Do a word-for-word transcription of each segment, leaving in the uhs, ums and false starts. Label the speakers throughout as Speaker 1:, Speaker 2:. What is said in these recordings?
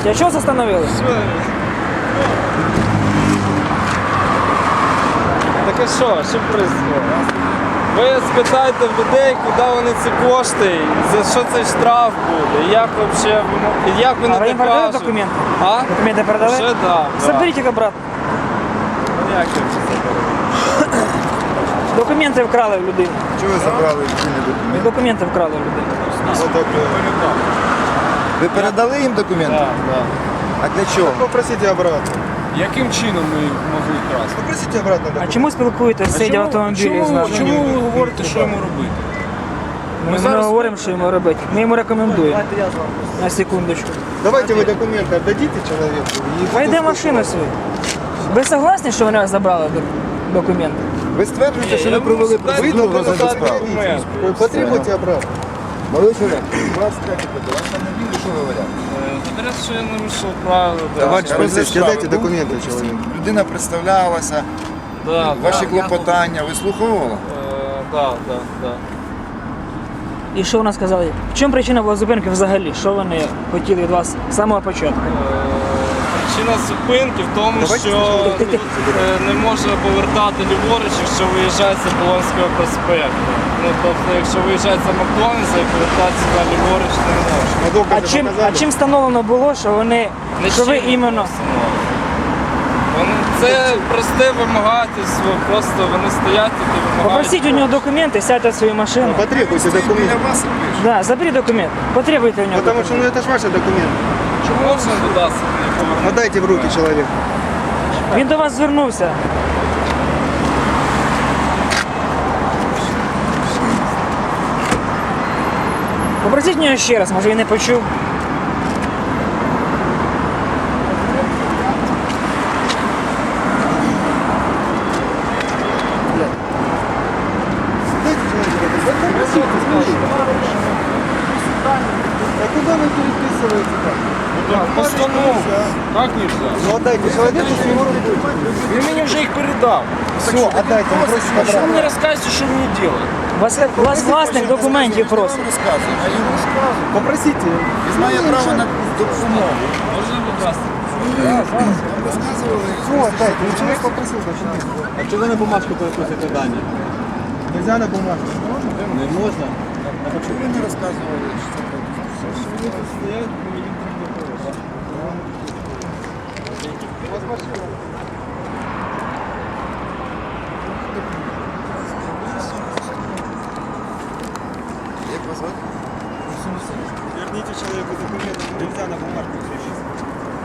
Speaker 1: Скажіть, а чого застановили?
Speaker 2: Так а що, що происходит? Ви спитайте в людей, куди вони ці кошти, за що цей штраф буде, як вообще, як вони
Speaker 1: А ви їм передали
Speaker 2: докажуть.
Speaker 1: документи?
Speaker 2: А?
Speaker 1: Документи передали?
Speaker 2: Ще да.
Speaker 1: Заберіть їх обратно.
Speaker 2: Ну, як я це заберу?
Speaker 1: Документи вкрали в людини.
Speaker 3: Чого ви забрали ці документи?
Speaker 1: Документи вкрали в людини.
Speaker 3: Ви передали їм документи?
Speaker 2: Так, так.
Speaker 3: А для чого?
Speaker 4: Попросите обратно.
Speaker 2: Яким чином ми їх могли вкрасти?
Speaker 4: Попросите обратно
Speaker 1: А
Speaker 4: документы.
Speaker 1: чому спілкуєтесь, сидя в автомобілі з нами?
Speaker 2: Чому ви говорите, що йому робити?
Speaker 1: Ми,
Speaker 2: зараз-
Speaker 1: не говоримо, що йому робити. Ми йому рекомендуємо. На секундочку.
Speaker 4: Давайте вы документы отдадите человеку. и
Speaker 1: Вийде
Speaker 4: буду
Speaker 1: машину свою. Ви согласні, що вони забрали док- документи?
Speaker 3: Ви стверджуєте, що ви провели процедуру
Speaker 4: Вы
Speaker 3: розгляду справи?
Speaker 2: документ.
Speaker 4: спокойно. Потребуйте обратно.
Speaker 3: Молодий чоловік, у вас третє питання. Вас там не вірю, що говорять?
Speaker 2: Говорять, що я нарушив правила. да.
Speaker 4: Товарищ
Speaker 3: Розгляд
Speaker 4: полицейский,
Speaker 3: справи
Speaker 4: дайте
Speaker 3: був,
Speaker 4: документы человеку.
Speaker 3: Людина представлялася,
Speaker 2: Да,
Speaker 3: ваші
Speaker 2: да.
Speaker 3: клопотання вислуховувала?
Speaker 2: Е, Да, да, да.
Speaker 1: І що вона сказала? В чому причина була зупинки взагалі? Що вони хотіли від вас з самого початку?
Speaker 2: Причина зупинки в тому,
Speaker 4: Давайте
Speaker 2: що
Speaker 1: спочатку.
Speaker 2: е, не можна повертати ліворуч, якщо виїжджається з Полонського проспекту. Ну, тобто, якщо виїжджається з Макдональдса і повертатися на ліворуч не можна.
Speaker 4: А доказы
Speaker 1: А чим, а
Speaker 4: показали?
Speaker 1: чим встановлено було, що вони, що ви
Speaker 2: Нічим
Speaker 1: іменно...
Speaker 2: не Вони, це просте вимагательство, просто вони стоять і вимагають.
Speaker 1: Попросіть у нього документи, сядьте в свою машину.
Speaker 4: Потребуйте
Speaker 3: Для
Speaker 4: документы.
Speaker 3: вас пише.
Speaker 1: Да, заберіть документ. Потребуйте у нього
Speaker 4: Потому что
Speaker 1: документ.
Speaker 4: ну, это же ваши документы.
Speaker 2: Чи можна додатися мені повернути?
Speaker 4: Отдайте в руки человеку.
Speaker 1: Він до вас звернувся. Попросіть у нього ще раз, може він не почув.
Speaker 4: Дайте человеку. Да попросите, скажите. А куда вы переписываете так?
Speaker 2: Постанову. Як нельзя?
Speaker 4: Ну отдайте человеку с него руку.
Speaker 2: Він мені вже їх передав.
Speaker 4: Все, отдайте, он просит
Speaker 2: Що ви
Speaker 4: обратно.
Speaker 2: мені розказуєте, що мені робити?
Speaker 1: Вас, вас власник документів
Speaker 3: Він
Speaker 1: просить.
Speaker 3: вам розказує, а йому розказує.
Speaker 4: Попросите.
Speaker 3: Він має право на допомогу.
Speaker 2: Можна, будь ласка?
Speaker 3: Розказували.
Speaker 4: Все, отдайте. Ну, человек попросил документы.
Speaker 5: А чого ви на бумажку переписуєте дані?
Speaker 4: Нельзя на бумагу.
Speaker 5: Не можна?
Speaker 3: А чому ви не розказували, що це Як вас звати?
Speaker 4: Верните человеку документы. Нельзя на бумагу переписывать.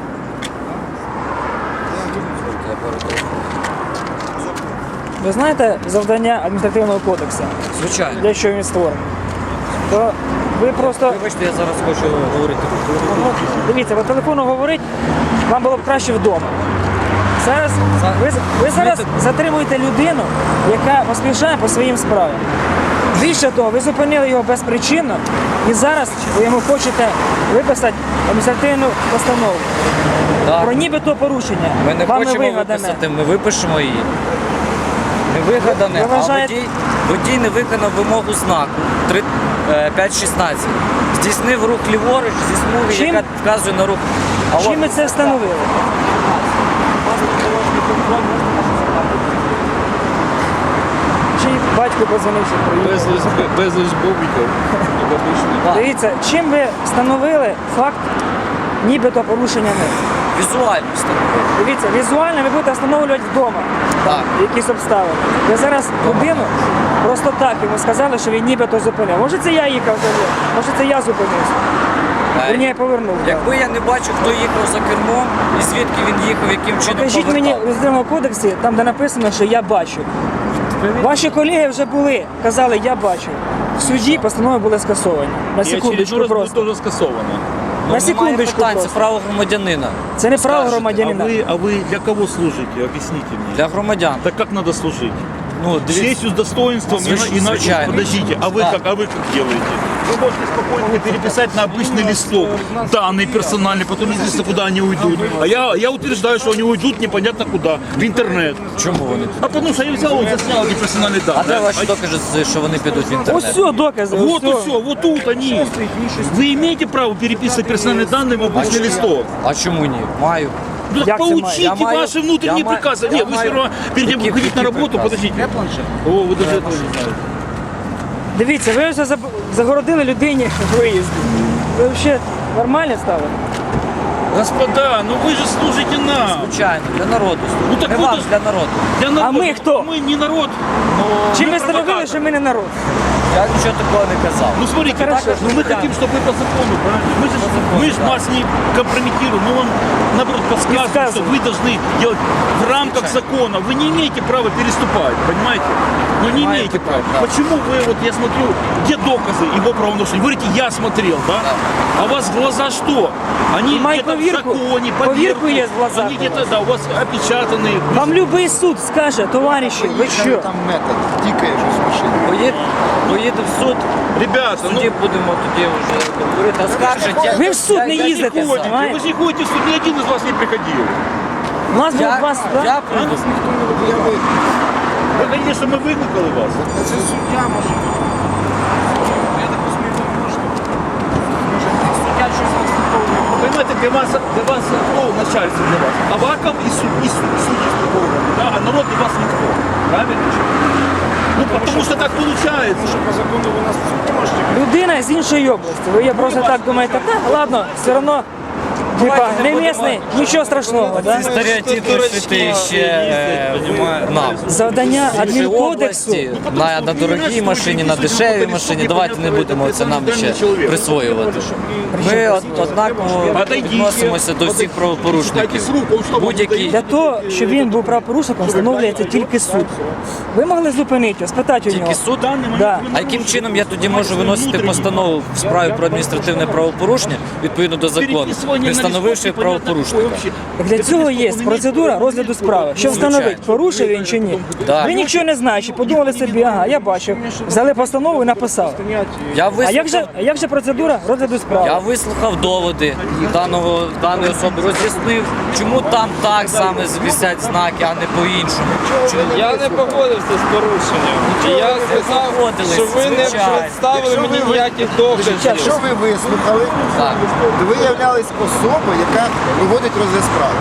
Speaker 1: Ви знаєте завдання адміністративного кодексу?
Speaker 6: Звичайно.
Speaker 1: Для чого він створений? То ви просто...
Speaker 6: Вибачте, я зараз хочу говорити.
Speaker 1: Ну, дивіться, по телефону говорить, вам було б краще вдома. Зараз, ви, ви зараз затримуєте людину, яка поспішає по своїм справам. Більше того, ви зупинили його безпричинно і зараз ви йому хочете виписати адміністративну постанову.
Speaker 6: Так.
Speaker 1: Про нібито порушення.
Speaker 6: Ми не
Speaker 1: Вами
Speaker 6: хочемо
Speaker 1: вигадане.
Speaker 6: виписати, ми випишемо її. Не вигадане,
Speaker 1: Ви
Speaker 6: а
Speaker 1: вважаєте-
Speaker 6: водій, водій не виконав вимогу знаку п'ять шістнадцять. Здійснив рух ліворуч зі смуги,
Speaker 1: Чим-
Speaker 6: яка вказує на рух. А
Speaker 1: Чим
Speaker 6: от-
Speaker 1: ми це встановили? Чи батько позвонив, що приїхав?
Speaker 5: Безліч бобіків.
Speaker 6: Так.
Speaker 1: Дивіться, чим ви встановили факт нібито порушення ним?
Speaker 6: Візуально встановив.
Speaker 1: Дивіться, візуально ви будете встановлювати вдома
Speaker 6: Так.
Speaker 1: якісь обставини. Ви зараз людину просто так йому сказали, що він нібито зупинив. Може це я їхав за ним, може це я зупинився.
Speaker 6: Е,
Speaker 1: Він я повернув. так.
Speaker 6: Якби я не бачив, хто їхав за кермом і звідки він їхав, яким чином
Speaker 1: Покажіть мені в
Speaker 6: повертав.
Speaker 1: Адміністративному кодексі, там де написано, що я бачу. Ваші колеги вже були, казали, я бачу. В суді постанови були скасовані. На секундочку просто.
Speaker 5: теж скасовано.
Speaker 1: На
Speaker 6: Немає
Speaker 1: секундочку
Speaker 6: питань, це
Speaker 1: просто.
Speaker 6: право громадянина.
Speaker 1: Це не право
Speaker 6: Скажете,
Speaker 5: А
Speaker 1: громадянина.
Speaker 5: вы, а вы для кого служите? Объясните мне.
Speaker 6: Для громадян.
Speaker 5: Так как надо служить?
Speaker 6: Ну,
Speaker 7: С
Speaker 6: дивіться.
Speaker 7: честью, с достоинством,
Speaker 6: Звич-
Speaker 7: и- иначе,
Speaker 6: звичайно.
Speaker 7: подождите, а вы
Speaker 6: Да.
Speaker 7: как, а вы как делаете? Вы можете спокойно переписать на обычный листок данные персональные, потом неизвестно, куда они уйдут. А я, я утверждаю, что они уйдут непонятно куда, в интернет.
Speaker 6: Чому вони?
Speaker 7: А потому что я взял, вот заснял эти персональные
Speaker 6: А де
Speaker 7: данные.
Speaker 6: ваші докази, що вони підуть в
Speaker 1: Ось
Speaker 6: інтернет?
Speaker 1: все, докази.
Speaker 7: Вот и
Speaker 1: ось
Speaker 7: все, вот тут они. Вы имеете право переписывать персональные данные в обычный листок?
Speaker 6: А чому ні? Маю.
Speaker 7: Ну так
Speaker 1: Як це має?
Speaker 7: поучите
Speaker 6: Я маю-
Speaker 7: ваши внутренние
Speaker 6: я маю-
Speaker 7: приказы.
Speaker 6: я
Speaker 7: Нет, вы
Speaker 6: маю-
Speaker 7: все равно перед тем, как
Speaker 6: Які-
Speaker 7: ходить на
Speaker 6: які
Speaker 7: работу,
Speaker 6: прикази?
Speaker 7: подождите.
Speaker 6: Є планшет?
Speaker 7: О, вы даже этого не знаете.
Speaker 1: Дивіться, ви вже заб- загородили людині виїзд. Ви взагалі нормально стали?
Speaker 7: Господа, ну вы же служите нам.
Speaker 6: Звичайно, для народу.
Speaker 7: Ну, так
Speaker 6: Не
Speaker 7: ви
Speaker 6: вам,
Speaker 7: ж-
Speaker 6: для народу.
Speaker 7: Для народа.
Speaker 1: ми хто?
Speaker 7: Мы не народ. но
Speaker 1: Чим
Speaker 7: мы
Speaker 1: ви встановили,
Speaker 7: провокаторы.
Speaker 1: що ми не народ?
Speaker 6: Я нічого такого не казав.
Speaker 7: Ну смотрите,
Speaker 1: Хорошо.
Speaker 7: так, ну, мы хотим, чтобы вы по закону, правильно? Мы же,
Speaker 6: закону,
Speaker 7: мы же
Speaker 6: да.
Speaker 7: вас не компрометируем, мы вам, наоборот, подсказываем, что
Speaker 1: Подсказываем.
Speaker 7: вы должны делать в рамках закона. Вы не имеете права переступать, понимаете? Ну не
Speaker 6: Понимаете,
Speaker 7: имеете права.
Speaker 6: да.
Speaker 7: Почему вы, вот я смотрю, где доказы его правонарушения? Вы говорите, я смотрел, да? А у вас глаза что? Они
Speaker 1: Май
Speaker 7: где-то в
Speaker 1: повірку.
Speaker 7: законе,
Speaker 1: Повірку
Speaker 7: поверку.
Speaker 1: є в глазах.
Speaker 7: Они где-то, да, у вас опечатанные.
Speaker 1: Вам любий суд скаже, товариші, ви що?
Speaker 3: Там метод, тікає щось в машині.
Speaker 6: Поїд, поїду в суд,
Speaker 7: Ребята,
Speaker 6: в
Speaker 7: ну,
Speaker 6: суді будемо тоді вже говорити, оскаржити.
Speaker 1: Ви в суд не
Speaker 6: Я- я
Speaker 1: їздите,
Speaker 6: ніколи.
Speaker 7: ходите,
Speaker 1: знаєте?
Speaker 7: вы же не ходите в суд, ни один из вас не приходил.
Speaker 1: У нас було
Speaker 6: Я,
Speaker 1: два суда.
Speaker 6: я прийду.
Speaker 7: Вы хотите, чтобы мы выкликали вас?
Speaker 3: Це суддя може.
Speaker 4: Я так розумію, ви не можете. Може, суддя щось розслідковує.
Speaker 7: Вы понимаете, для вас, для вас кто начальство для вас? Аваков и, суд, и суд, судьи Строгова, да? А народ для вас никто. Правильно? Ну, потому что так получается.
Speaker 3: Що по закону ви нас в суд не можете.
Speaker 1: Людина з іншої області. Ви я просто так думаєте, та ладно, все одно. Типа, не місний, нічого страшного, да?
Speaker 6: Ці стереотипи шити ще е, в- нам.
Speaker 1: Завдання
Speaker 6: Іншої
Speaker 1: адмінкодексу.
Speaker 6: області, на, на дорогій машині, на дешевій машині. Давайте не будемо це нам ще присвоювати. Ми од- однаково відносимося до всіх правопорушників. Будь-які
Speaker 1: Для того, щоб він був правопорушником, встановлюється тільки суд. Ви могли зупинити його, спитати у нього.
Speaker 6: тільки суд.
Speaker 1: Да.
Speaker 6: А яким чином я тоді можу виносити постанову в справі про адміністративне правопорушення відповідно до закону, не встановивши правопорушника?
Speaker 1: Так для цього є процедура розгляду справи. Щоб встановити, порушив він чи ні.
Speaker 6: Да.
Speaker 1: Ви нічого не знаєте, подумали собі, ага, я бачив. Взяли постанову і написали.
Speaker 6: Я
Speaker 1: А як же,
Speaker 6: вислухав,
Speaker 1: а як же процедура розгляду справи?
Speaker 6: я вислухав доводи даного даної особи, роз'яснив, чому там так саме висять знаки, а не по-іншому. Чому-
Speaker 2: Я не погодився з порушенням. І я сказав,
Speaker 6: погодились,
Speaker 2: що ви не
Speaker 6: звичайно.
Speaker 2: представили
Speaker 3: Якщо
Speaker 2: мені
Speaker 3: ви-
Speaker 2: ніяких доказів.
Speaker 3: Якщо ви вислухали,
Speaker 6: Так.
Speaker 3: то ви являлись особою, яка проводить розгляд справи.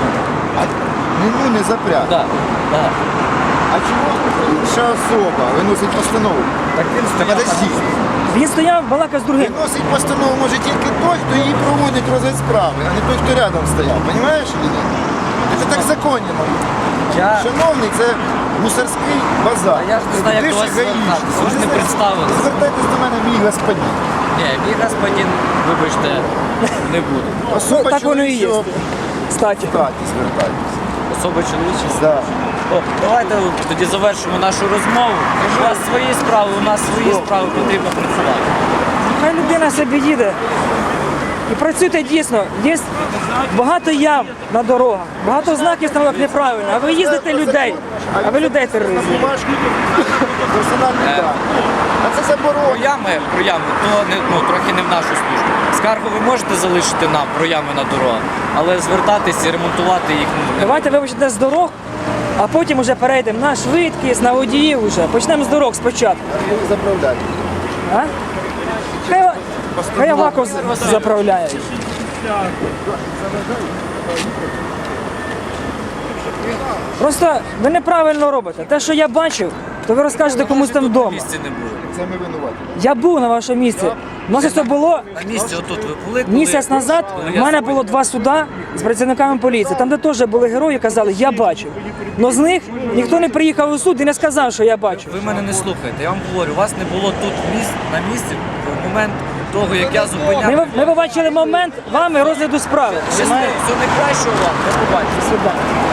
Speaker 3: А ну не запряг.
Speaker 6: Да, да.
Speaker 3: А чому інша особа виносить постанову?
Speaker 6: Так він
Speaker 3: Та
Speaker 6: стояв.
Speaker 3: подожди.
Speaker 1: Він стояв, балакав з другим.
Speaker 3: Виносить постанову може тільки той, хто її проводить розгляд справи, а не той, хто рядом стояв. Понимаєш чи ні? Це так законно.
Speaker 6: Я...
Speaker 3: Шановний, це гусарський базар.
Speaker 6: А я ж не знаю, як
Speaker 3: Ти
Speaker 6: до вас
Speaker 3: ж гаїшник.
Speaker 6: звертатися. Ви ж не
Speaker 3: знаєте,
Speaker 6: представились.
Speaker 3: Звертайтесь до мене, мій господин.
Speaker 6: Ні, мій господин, вибачте, не буду.
Speaker 3: Особа
Speaker 1: Ну, так воно і є.
Speaker 3: чоловічого
Speaker 1: Кстати.
Speaker 3: хаті звертайтесь.
Speaker 6: Особа чоловіча.
Speaker 3: Да.
Speaker 6: О, давайте тоді завершимо нашу розмову. У вас свої справи, у нас свої справи, потрібно працювати.
Speaker 1: Хай людина собі їде. І працюйте дійсно. Є багато ям на дорогах, багато знаків встановок неправильно, а ви їздите людей. А ви людей тероризуєте.
Speaker 3: Бумажки, персональні
Speaker 6: Е.
Speaker 3: дані. А це
Speaker 6: Про
Speaker 3: заборонено.
Speaker 6: ями, про ями, то не, ну, трохи не в нашу службу. Скаргу ви можете залишити нам про ями на дорогах, але звертатись і ремонтувати їх ну, не
Speaker 1: Давайте вибачте з дорог, а потім вже перейдемо на швидкість, на водіїв вже. Почнемо з дорог спочатку.
Speaker 3: Заправляйте.
Speaker 1: А? Хай, хай Аваков з- заправляє. Просто ви неправильно робите. Те, що я бачив, то ви розкажете комусь там
Speaker 6: в
Speaker 1: вдома.
Speaker 6: місці не було.
Speaker 3: Це ми винуваті.
Speaker 1: Я був на вашому місці. У нас це було
Speaker 6: На місці отут ви були, коли...
Speaker 1: місяць назад.
Speaker 6: коли
Speaker 1: У
Speaker 6: я
Speaker 1: мене
Speaker 6: зупинив?
Speaker 1: було два суда з працівниками поліції. Там, де теж були герої, казали, я бачив. Но з них ніхто не приїхав у суд і не сказав, що я бачив.
Speaker 6: Ви мене не слухаєте, я вам говорю, вас не було тут місць, на місці в момент того, як я зупиняв.
Speaker 1: Ми, ми побачили момент вами розгляду справи.
Speaker 6: Щасливо, всього найкращого вам, до побачення.
Speaker 1: До свидання.